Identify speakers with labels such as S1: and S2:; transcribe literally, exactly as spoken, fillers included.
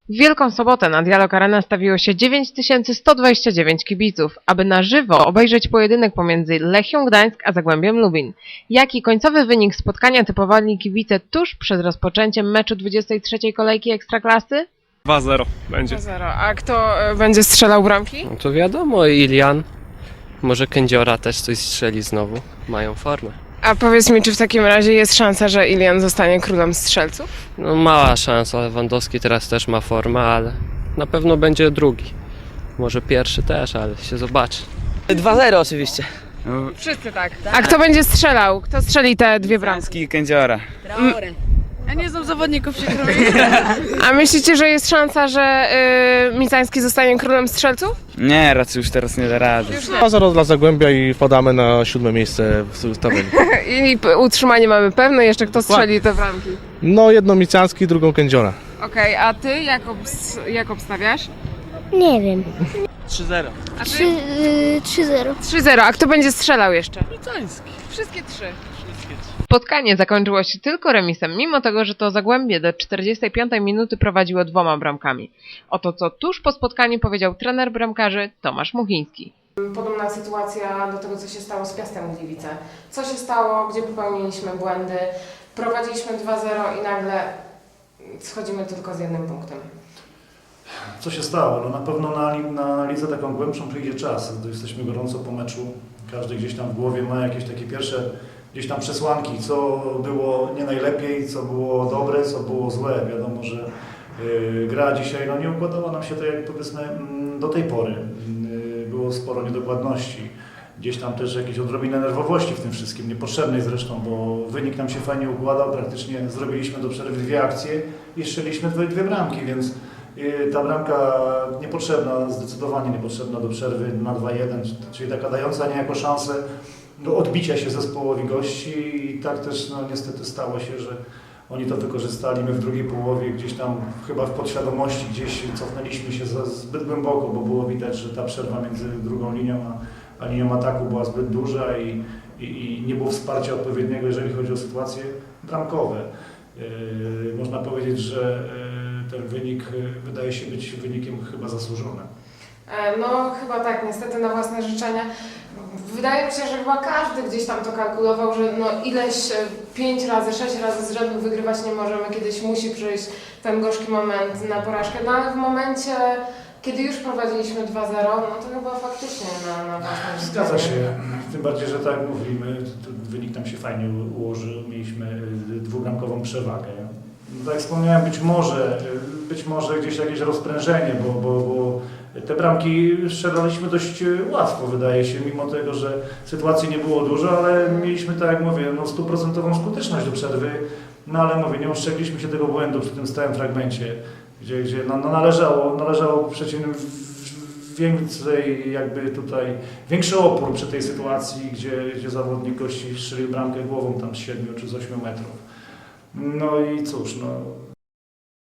S1: W Wielką Sobotę na Dialog Arena stawiło się dziewięć tysięcy sto dwadzieścia dziewięć kibiców, aby na żywo obejrzeć pojedynek pomiędzy Lechią Gdańsk a Zagłębiem Lubin. Jaki końcowy wynik spotkania typowali kibice tuż przed rozpoczęciem meczu dwudziestej trzeciej kolejki Ekstraklasy?
S2: dwa zero będzie.
S1: dwa zero. A kto e, będzie strzelał bramki?
S3: No to wiadomo, Ilian, może Kędziora też coś strzeli znowu, mają formę.
S1: A powiedz mi, czy w takim razie jest szansa, że Ilian zostanie królem strzelców?
S3: No mała szansa, Lewandowski teraz też ma formę, ale na pewno będzie drugi. Może pierwszy też, ale się zobaczy.
S4: dwa zero oczywiście.
S1: Wszyscy tak. A kto będzie strzelał? Kto strzeli te dwie bramki?
S4: Franski Kędziora.
S5: Ja nie znam zawodników, przykro mi.
S1: A myślicie, że jest szansa, że y, Micański zostanie królem strzelców?
S4: Nie, raczej już teraz nie da rady.
S6: dwa zero dla Zagłębia i podamy na siódme miejsce w tabeli.
S1: I p- utrzymanie mamy pewne, jeszcze kto strzeli te bramki.
S6: No jedno Micianski, drugą Kędziora.
S1: Okej, a ty jak, obs- jak obstawiasz?
S7: Nie wiem.
S4: trzy zero.
S1: A ty?
S7: Trzy, y, trzy zero.
S1: trzy zero, a kto będzie strzelał jeszcze? Micański. Wszystkie trzy. Spotkanie zakończyło się tylko remisem, mimo tego, że to Zagłębie do czterdziestej piątej minuty prowadziło dwoma bramkami. Oto co tuż po spotkaniu powiedział trener bramkarzy Tomasz Muchiński. Podobna sytuacja do tego, co się stało z Piastem Gliwice. Co się stało, gdzie popełniliśmy błędy, prowadziliśmy dwa zero i nagle schodzimy tylko z jednym punktem.
S8: Co się stało? No na pewno na, na analizę taką głębszą przyjdzie czas, gdy jesteśmy gorąco po meczu. Każdy gdzieś tam w głowie ma jakieś takie pierwsze gdzieś tam przesłanki, co było nie najlepiej, co było dobre, co było złe. Wiadomo, że yy, gra dzisiaj no, nie układała nam się tak jak powiedzmy yy, do tej pory. Yy, było sporo niedokładności. Gdzieś tam też jakieś odrobinę nerwowości w tym wszystkim, niepotrzebnej zresztą, bo wynik nam się fajnie układał, praktycznie zrobiliśmy do przerwy dwie akcje i strzeliśmy dwie, dwie bramki, więc ta bramka niepotrzebna, zdecydowanie niepotrzebna do przerwy na dwa jeden, czyli taka dająca niejako szansę do odbicia się zespołowi gości i tak też no, niestety stało się, że oni to wykorzystali. My w drugiej połowie gdzieś tam chyba w podświadomości gdzieś cofnęliśmy się za, zbyt głęboko, bo było widać, że ta przerwa między drugą linią a, a linią ataku była zbyt duża i, i, i nie było wsparcia odpowiedniego, jeżeli chodzi o sytuacje bramkowe. Yy, można powiedzieć, że yy, ten wynik yy, wydaje się być wynikiem chyba zasłużonym.
S1: No chyba tak, niestety na własne życzenia. Wydaje mi się, że chyba każdy gdzieś tam to kalkulował, że no ileś pięć razy, sześć razy z rzędu wygrywać nie możemy, kiedyś musi przyjść ten gorzki moment na porażkę. No ale w momencie, kiedy już prowadziliśmy dwa zero, no to chyba faktycznie na, na własne życzenia.
S8: Zgadza się, tym bardziej, że tak jak mówimy, wynik nam się fajnie ułożył, mieliśmy dwubramkową przewagę. No, tak jak wspomniałem, być może, być może gdzieś jakieś rozprężenie, bo, bo, bo te bramki strzelaliśmy dość łatwo, wydaje się, mimo tego, że sytuacji nie było dużo, ale mieliśmy, tak jak mówię, no, stuprocentową skuteczność do przerwy, no ale mówię, nie ostrzegliśmy się tego błędu przy tym stałym fragmencie, gdzie, gdzie no, no należało, należało przeciwnym więcej jakby tutaj, większy opór przy tej sytuacji, gdzie, gdzie zawodnik gości strzelił bramkę głową tam z siedmiu czy z ośmiu metrów. No i cóż, no